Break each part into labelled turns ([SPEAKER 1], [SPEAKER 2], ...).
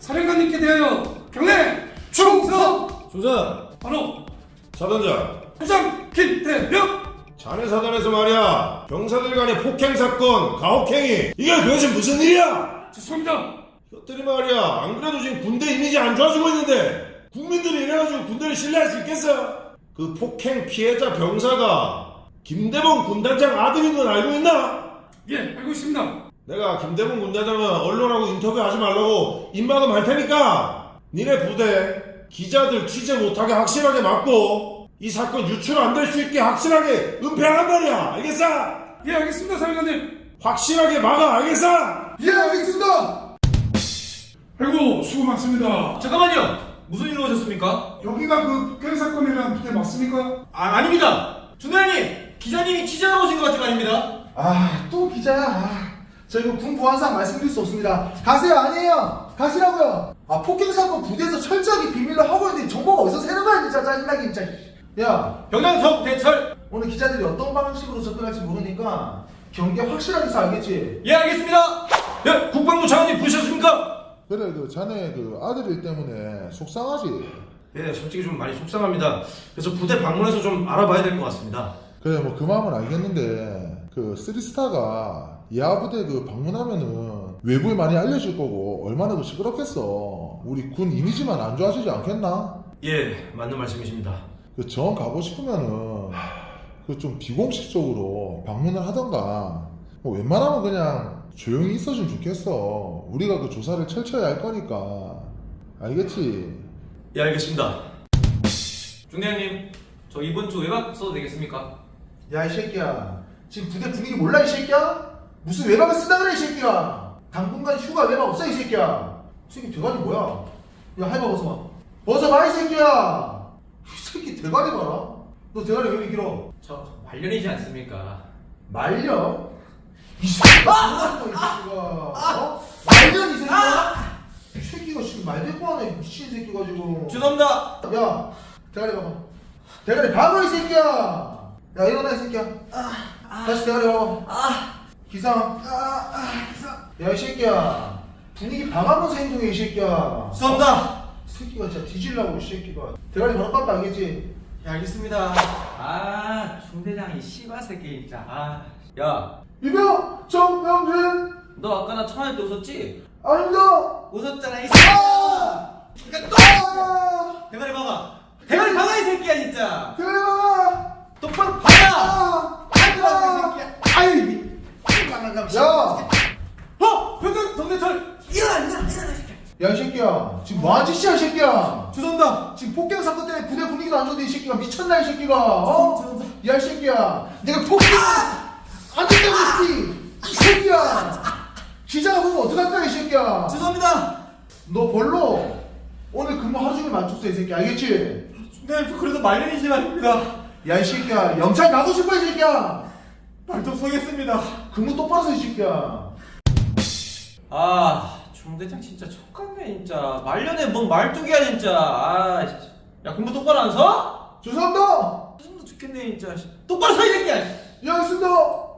[SPEAKER 1] 사령관님께 대하여 경례 충성!
[SPEAKER 2] 조선
[SPEAKER 1] 바로
[SPEAKER 2] 사단장,
[SPEAKER 1] 부장 김대령!
[SPEAKER 2] 자네 사단에서 말이야 병사들 간의 폭행 사건, 가혹행위 이게 도대체 무슨 일이야?
[SPEAKER 1] 죄송합니다.
[SPEAKER 2] 이것들이 말이야 안 그래도 지금 군대 이미지 안 좋아지고 있는데 국민들이 이래가지고 군대를 신뢰할 수 있겠어? 그 폭행 피해자 병사가 김대범 군단장 아들인 건 알고 있나?
[SPEAKER 1] 예, 알고 있습니다.
[SPEAKER 2] 내가 김대범 군단장은 언론하고 인터뷰하지 말라고 입막음 할 테니까 니네 부대 기자들 취재 못하게 확실하게 막고 이 사건 유출 안 될 수 있게 확실하게 은폐하란 말이야. 알겠어?
[SPEAKER 1] 예, 알겠습니다, 사령관님.
[SPEAKER 2] 확실하게 막아. 알겠어?
[SPEAKER 1] 예, 알겠습니다. 아이고, 수고 많습니다.
[SPEAKER 3] 잠깐만요. 무슨 일로 오셨습니까?
[SPEAKER 1] 여기가 그 폭행 사건이라는 부대 맞습니까?
[SPEAKER 3] 아닙니다. 준호님, 기자님이 취재하러 오신 것 같은 거 아닙니다.
[SPEAKER 4] 또 기자야. 저 이거 군 보안상 말씀드릴 수 없습니다. 가세요. 아니에요. 가시라고요. 폭행 사건 부대에서 철저하게 비밀로 하고 있는데 정보가 어디서 새는 거야 진짜. 짜증나게 진짜. 야,
[SPEAKER 3] 병장 정대철.
[SPEAKER 4] 오늘 기자들이 어떤 방식으로 접근할지 모르니까 경계 확실하게 서 알겠지?
[SPEAKER 3] 예, 알겠습니다. 예, 국방부 장관님 부르셨습니까?
[SPEAKER 5] 그래 자네 아들이 때문에 속상하지.
[SPEAKER 3] 예, 솔직히 좀 많이 속상합니다. 그래서 부대 방문해서 좀 알아봐야 될 것 같습니다.
[SPEAKER 5] 그래 그 마음은 알겠는데 쓰리스타가 야부대 방문하면은 외부에 많이 알려질 거고 얼마나 시끄럽겠어. 우리 군 이미지만 안 좋아지지 않겠나?
[SPEAKER 3] 예, 맞는 말씀이십니다.
[SPEAKER 5] 정 가고 싶으면은 좀 비공식적으로 방문을 하던가 웬만하면 그냥 조용히 있어주면 좋겠어. 우리가 조사를 철저히 할 거니까. 알겠지?
[SPEAKER 3] 예, 알겠습니다. 중대장님, 저 이번 주 외박 써도 되겠습니까?
[SPEAKER 4] 야, 이 새끼야. 지금 부대 분위기 몰라, 이 새끼야? 무슨 외박을 쓴다 그래, 이 새끼야. 당분간 휴가 외박 없어, 이 새끼야. 이 새끼 대가리 뭐야? 야, 해봐, 벗어봐. 벗어봐, 이 새끼야. 이 새끼 대가리 봐라. 너 대가리 왜 이렇게 길어?
[SPEAKER 3] 저 말년이지 않습니까?
[SPEAKER 4] 말려? 이 새끼가 뭐야, 이 새끼가. 어? 말려, 이 새끼가. 이 새끼가 지금 말대꾸 하네, 미친 새끼가 지금.
[SPEAKER 3] 죄송합니다.
[SPEAKER 4] 야, 대가리 봐봐. 대가리 봐봐, 이 새끼야. 야, 일어나, 이 새끼야. 다시 대가리 봐봐. 기상. 야, 이 새끼야. 분위기 방하면서 행동해, 이 새끼야.
[SPEAKER 3] 죄송합니다.
[SPEAKER 4] 이 새끼가 진짜 뒤질라고, 이 새끼가. 대가리 바로 깎아, 알겠지?
[SPEAKER 3] 예, 알겠습니다. 중대장이 씨발 새끼 진짜. 야,
[SPEAKER 4] 이병 정명진.
[SPEAKER 3] 너 아까 나 청할 때 웃었지?
[SPEAKER 4] 아닙니다.
[SPEAKER 3] 웃었잖아 이 새끼야.
[SPEAKER 4] 아!
[SPEAKER 3] 대가리 봐봐. 대가리 봐봐 이 새끼야 진짜.
[SPEAKER 4] 대가리 봐봐.
[SPEAKER 3] 똑바로 봐라. 이 새끼야.
[SPEAKER 4] 아이. 야.
[SPEAKER 3] 병장 정대철 일어나 이 새끼야.
[SPEAKER 4] 야, 이 새끼야. 지금 뭐하는 짓이야, 이 새끼야.
[SPEAKER 3] 죄송합니다.
[SPEAKER 4] 지금 폭행 사건 때문에 부대 분위기도 안 좋은데 이 새끼가 미쳤나, 이 새끼가. 어? 야, 이 새끼야. 내가 폭행 안 된다고 했지. 이 새끼야. 기자가 보면 어떡할 거야, 이 새끼야.
[SPEAKER 3] 죄송합니다.
[SPEAKER 4] 너 벌로 오늘 근무 하루 종일 맞췄어, 이 새끼. 알겠지?
[SPEAKER 3] 네, 그래도 말년이지 말입니다.
[SPEAKER 4] 야, 이 새끼야. 영창 가고 싶어, 이 새끼야.
[SPEAKER 3] 발톱 서겠습니다.
[SPEAKER 4] 근무 똑바로 서, 이 새끼야.
[SPEAKER 3] 중대장 진짜 촉같네 진짜. 말년에 뭔 말뚝이야 진짜. 진짜. 야 근무 똑바로 안 서?
[SPEAKER 4] 죄송합니다.
[SPEAKER 3] 짜증나 죽겠네 진짜. 똑바로 서 이 새끼야.
[SPEAKER 4] 예, 알겠습니다.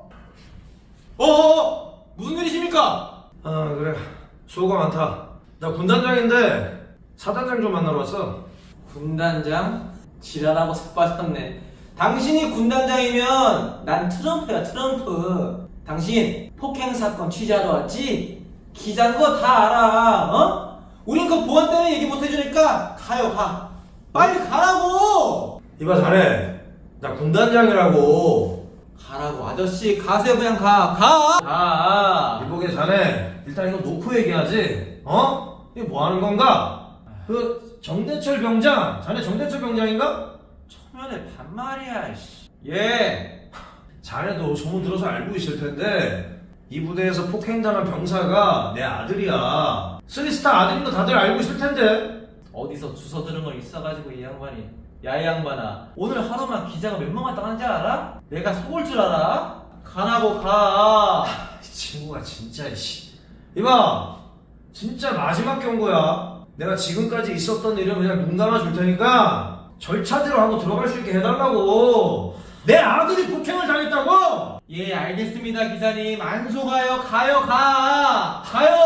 [SPEAKER 3] 무슨 일이십니까?
[SPEAKER 2] 그래 수고가 많다. 나 군단장인데 사단장 좀 만나러 왔어.
[SPEAKER 3] 군단장? 지랄하고 속 빠졌네. 당신이 군단장이면 난 트럼프야 트럼프. 당신 폭행 사건 취재하러 왔지? 기자인 거 다 알아. 어? 우린 그 보안 때문에 얘기 못 해주니까 가요 가. 빨리 가라고.
[SPEAKER 2] 이봐 자네 나 군단장이라고.
[SPEAKER 3] 가라고 아저씨 가세요 그냥 가.
[SPEAKER 2] 이보게 자네 일단 이거 놓고 얘기하지. 이게 뭐 하는 건가? 그 정대철 병장 자네 정대철 병장인가?
[SPEAKER 3] 초면에 반말이야. 예.
[SPEAKER 2] 자네도 소문 들어서 알고 있을 텐데 이 부대에서 폭행당한 병사가 내 아들이야. 쓰리스타 아들인 거 다들 알고 있을 텐데.
[SPEAKER 3] 어디서 주워 들은 거 있어가지고 이 양반이. 야 이 양반아 오늘 하루만 기자가 몇 명 왔다 간지 알아? 내가 속을 줄 알아? 가라고 가.
[SPEAKER 2] 이 친구가 진짜 이봐 진짜 마지막 경고야. 내가 지금까지 있었던 일은 그냥 눈 감아줄 테니까 절차대로 하고 들어갈 수 있게 해달라고. 내 아들이 폭행을 당했다고.
[SPEAKER 3] 예 알겠습니다 기자님. 안 속아요. 가요.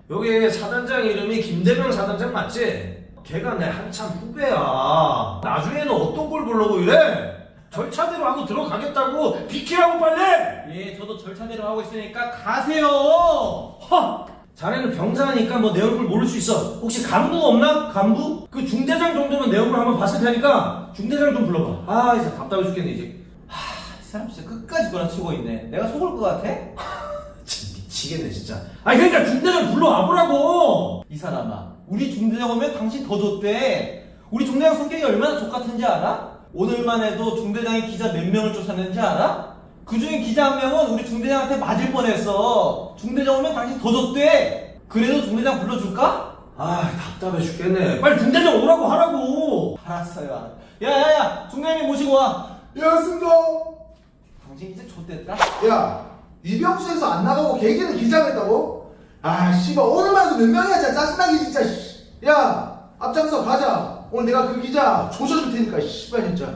[SPEAKER 2] 여기 사단장 이름이 김대명 사단장 맞지? 걔가 내 한참 후배야. 나중에는 어떤 걸 보려고 이래? 절차대로 하고 들어가겠다고 비키라고 빨리!
[SPEAKER 3] 예, 저도 절차대로 하고 있으니까 가세요.
[SPEAKER 2] 허! 자네는 병사니까 뭐 내 얼굴 모를 수 있어. 혹시 간부 없나? 간부? 그 중대장 정도면 내 얼굴 한번 봤을 테니까 중대장 좀 불러봐. 아, 이제 답답해 죽겠네 이제.
[SPEAKER 3] 이 사람 진짜 끝까지 구라치고 있네. 내가 속을 것 같아?
[SPEAKER 2] 진짜 미치겠네 진짜. 아니 그러니까 중대장 불러와 보라고.
[SPEAKER 3] 이 사람아, 우리 중대장 오면 당신 더 줬대. 우리 중대장 성격이 얼마나 족같은지 알아? 오늘만 해도 중대장이 기자 몇 명을 쫓았는지 알아? 그 중에 기자 한 명은 우리 중대장한테 맞을 뻔했어. 중대장 오면 당신 더 줬대. 그래도 중대장 불러줄까?
[SPEAKER 2] 아, 답답해 죽겠네. 빨리 중대장 오라고 하라고.
[SPEAKER 3] 알았어요. 야야야, 중대장님 모시고 와.
[SPEAKER 4] 예, 알겠습니다.
[SPEAKER 3] 당신 이제 좆됐다.
[SPEAKER 4] 야, 이병수에서 안 나가고 개개는 기자겠다고? 아, 씨발, 오늘만 해도 몇 명이야, 진짜 짜증나게, 진짜, 씨. 야, 앞장서 가자. 오늘 내가 그 기자 조져줄 테니까, 씨발, 진짜.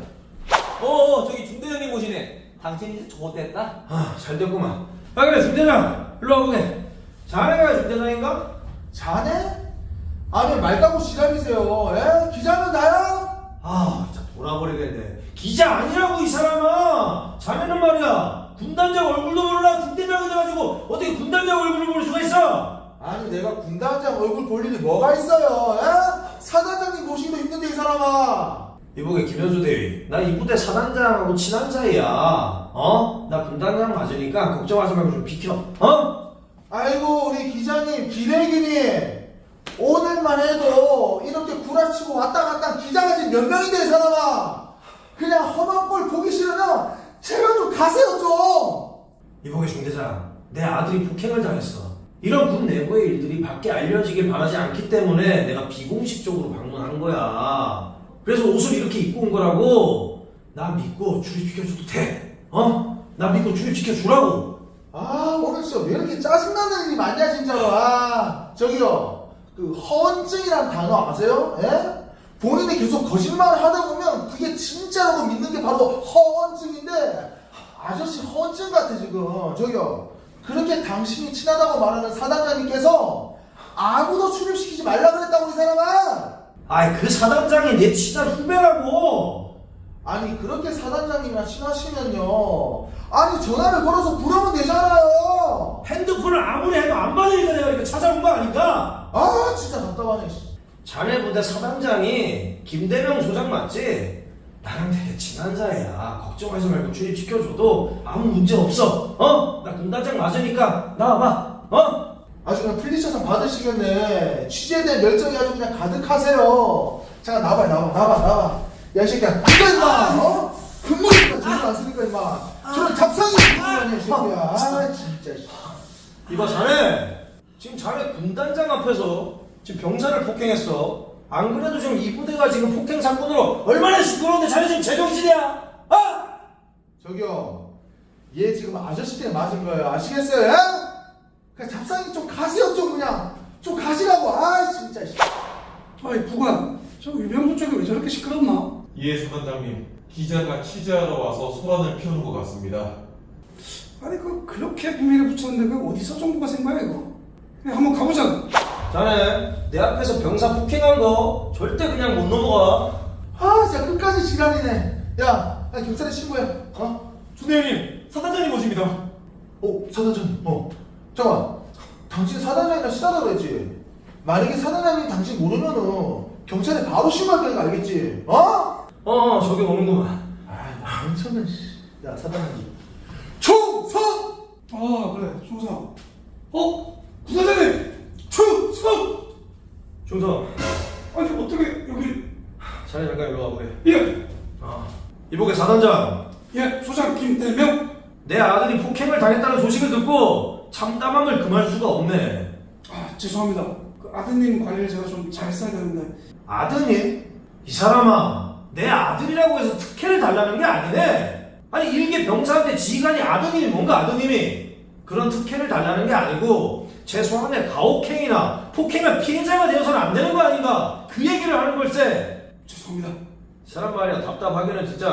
[SPEAKER 3] 저기 중대장님 모시네. 당신 이제 좆됐다.
[SPEAKER 2] 아, 잘 됐구만. 아 그래 중대장 일로 와보게. 자네가 중대장인가?
[SPEAKER 4] 자네? 아니, 말 까고 지랄이세요. 예? 기자는 나야?
[SPEAKER 2] 아, 진짜 돌아버리겠네. 기자 아니라고 이 사람아. 자네는 말이야 군단장 얼굴도 몰라 중대장이 돼가지고 어떻게 군단장 얼굴을 볼 수가 있어?
[SPEAKER 4] 아니, 내가 군단장 얼굴 볼 일이 뭐가 있어요, 예? 사단장님 모시기도 힘든데, 이 사람아.
[SPEAKER 2] 이보게 김현수 대위, 나 이 부대 사단장하고 친한 사이야. 어? 나 군단장 맞으니까 걱정하지 말고 좀 비켜. 어?
[SPEAKER 4] 아이고, 우리 기자님, 기레기님. 오늘만 해도 이렇게 구라치고 왔다 갔다 한 기자가 지금 몇 명인데, 이 사람아. 그냥 험한 꼴 보기 싫으면 제발 좀 가세요, 좀.
[SPEAKER 2] 이보게 중대장, 내 아들이 폭행을 당했어. 이런 군 내부의 일들이 밖에 알려지길 바라지 않기 때문에 내가 비공식적으로 방문한 거야. 그래서 옷을 이렇게 입고 온 거라고. 나 믿고 출입시켜줘도 돼. 어? 나 믿고 출입시켜주라고.
[SPEAKER 4] 아, 오늘 진짜 왜 이렇게 짜증나는 일이 많냐, 진짜로. 아, 저기요. 그 허언증이란 단어 아세요? 예? 본인이 계속 거짓말을 하다 보면 그게 진짜라고 믿는 게 바로 허언증인데, 아저씨 허언증 같아, 지금. 저기요. 그렇게 당신이 친하다고 말하는 사단장님께서 아무도 출입시키지 말라 그랬다고, 이 사람아.
[SPEAKER 2] 아이, 그 사단장이 내 친한 후배라고.
[SPEAKER 4] 아니, 그렇게 사단장님이랑 친하시면요, 아니, 전화를 걸어서 부르면 되잖아요.
[SPEAKER 2] 핸드폰을 아무리 해도 안 받으니까 내가 이렇게 찾아온 거 아닌가?
[SPEAKER 4] 아, 진짜 답답하네, 씨.
[SPEAKER 2] 자네 부대 사단장이 김대명 소장 맞지? 나랑 되게 친한 사이야. 걱정하지 말고 출입시켜줘도 아무 문제 없어. 어? 나 군단장 맞으니까 나와봐. 어?
[SPEAKER 4] 아주 그냥 플리셔상 받으시겠네. 취재대 열정이 아주 그냥 가득하세요. 잠깐 나와봐, 나와. 야, 이 새끼야. 이거 임마, 어? 근무니까 돈을 안 쓰니까 임마. 저런 잡상이 있는 거 아니야, 이 새끼야. 아, 진짜. 씨.
[SPEAKER 2] 이봐 자네. 지금 자네 군단장 앞에서 지금 병사를 폭행했어. 안 그래도 지금 이 부대가 지금 폭행 사건으로 얼마나 시끄러운데 자네 지금 제정신이야? 어?
[SPEAKER 4] 저기요. 얘 지금 아저씨 때문에 맞은 거예요. 아시겠어요? 예? 그냥 잡상이 좀 가세요, 좀 그냥. 좀 가시라고. 아, 진짜. 씨.
[SPEAKER 1] 아이 부관, 저 위병소 쪽이 왜 저렇게 시끄럽나?
[SPEAKER 6] 예, 사단장님. 기자가 취재하러 와서 소란을 피우는 것 같습니다.
[SPEAKER 1] 아니 그렇게 비밀에 붙였는데 그 어디서 정보가 센 거야 이거? 그냥 한번 가보자.
[SPEAKER 2] 자네 내 앞에서 병사 폭행한 거 절대 그냥 못 넘어가.
[SPEAKER 4] 아, 진짜 끝까지 지랄이네. 야, 경찰에 신고해. 어?
[SPEAKER 6] 중대장님, 사단장님 모십니다.
[SPEAKER 4] 사단장님. 잠깐만. 당신 사단장이랑 친하다고 그랬지? 만약에 사단장님이 당신 모르면은 경찰에 바로 신고할 거니까 알겠지? 어?
[SPEAKER 2] 저기 오는구만.
[SPEAKER 4] 아, 엄청난 씨. 야, 사단장님. 충성!
[SPEAKER 1] 아 그래 충성. 부사장님 충성.
[SPEAKER 2] 중성,
[SPEAKER 1] 아니 어떻게 여기?
[SPEAKER 2] 자네 잠깐 일로 와보게.
[SPEAKER 1] 예.
[SPEAKER 2] 이보게 사단장,
[SPEAKER 1] 예 소장 김대명.
[SPEAKER 2] 내 아들이 폭행을 당했다는 소식을 듣고 참담함을 금할 수가 없네.
[SPEAKER 1] 아 죄송합니다. 그 아드님 관리를 제가 좀 잘했어야 되는데.
[SPEAKER 2] 아드님? 이 사람아, 내 아들이라고 해서 특혜를 달라는 게 아니네. 아니 일개 병사한테 지휘관이 아드님이 뭔가 아드님이 그런 특혜를 달라는 게 아니고 최소한의 가혹행위나 폭행의 피해자가 되어서는 안 되는 거 아닌가, 그 얘기를 하는 걸세.
[SPEAKER 1] 죄송합니다.
[SPEAKER 2] 이 사람 말이야 답답하기는 진짜.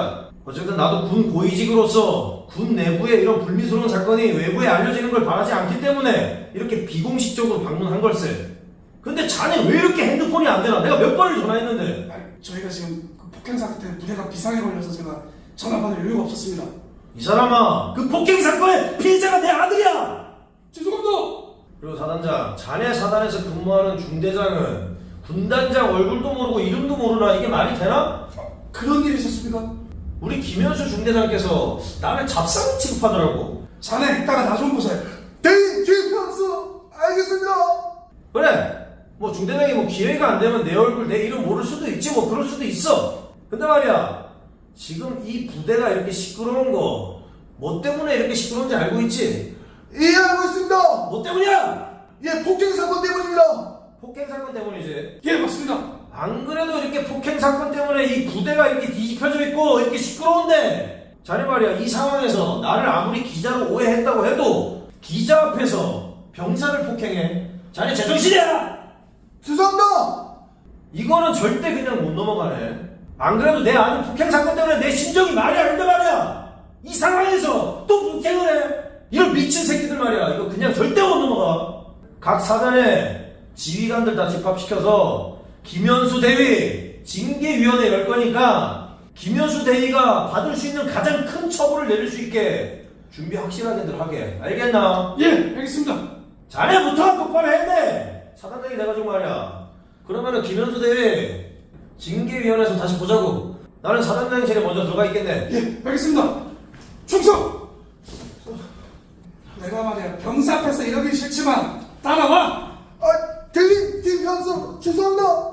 [SPEAKER 2] 어쨌든 나도 군 고위직으로서 군 내부에 이런 불미스러운 사건이 외부에 알려지는 걸 바라지 않기 때문에 이렇게 비공식적으로 방문한 걸세. 근데 자네 왜 이렇게 핸드폰이 안 되나? 내가 몇 번을 전화했는데.
[SPEAKER 1] 아니, 저희가 지금 그 폭행 사건 때문에 부대가 비상에 걸려서 제가 전화 받을 여유가 없었습니다.
[SPEAKER 2] 이 사람아, 그 폭행 사건의 피해자가 내 아들이야!
[SPEAKER 1] 죄송합니다.
[SPEAKER 2] 그리고 사단장, 자네 사단에서 근무하는 중대장은 군단장 얼굴도 모르고 이름도 모르나? 이게 말이 되나?
[SPEAKER 1] 그런 일이 있었습니까?
[SPEAKER 2] 우리 김현수 중대장께서 나를 잡상 취급하더라고.
[SPEAKER 1] 자네 이따가 나 좀 보세요.
[SPEAKER 4] 대인 김현수 알겠습니다.
[SPEAKER 2] 그래, 뭐 중대장이 뭐 기회가 안 되면 내 얼굴 내 이름 모를 수도 있지, 뭐 그럴 수도 있어. 근데 말이야, 지금 이 부대가 이렇게 시끄러운 거 뭐 때문에 이렇게 시끄러운지 알고 있지?
[SPEAKER 4] 예 알고 있습니다.
[SPEAKER 2] 뭐 때문이야?
[SPEAKER 4] 예 폭행 사건 때문입니다.
[SPEAKER 2] 폭행 사건 때문이지.
[SPEAKER 1] 예, 맞습니다.
[SPEAKER 2] 안 그래도 이렇게 폭행 사건 때문에 이 부대가 이렇게 뒤집혀져 있고 이렇게 시끄러운데, 자네 말이야, 이 상황에서 나를 아무리 기자로 오해했다고 해도 기자 앞에서 병사를 폭행해. 자네 제정신이야!
[SPEAKER 4] 죄송합니다.
[SPEAKER 2] 이거는 절대 그냥 못 넘어가네. 안 그래도 내 아는 폭행 사건 때문에 내 심정이 말이 안 돼 말이야. 이 상황에서 또 폭행을 해. 이런 미친 새끼들 말이야. 이거 그냥 절대 못 넘어가. 각 사단에 지휘관들 다 집합시켜서 김현수 대위 징계위원회 열 거니까 김현수 대위가 받을 수 있는 가장 큰 처벌을 내릴 수 있게 준비 확실하게들 하게. 알겠나?
[SPEAKER 1] 예, 알겠습니다.
[SPEAKER 2] 자네부터 똑바로 해야 돼. 사단장이 돼가지고 말이야. 그러면은 김현수 대위 징계위원회에서 다시 보자고. 나는 사단장실에 먼저 들어가 있겠네.
[SPEAKER 1] 예, 알겠습니다. 충성! 내가 말이야, 병사 앞에서 이러기 싫지만 따라와!
[SPEAKER 4] 아 대인 김현수 죄송합니다.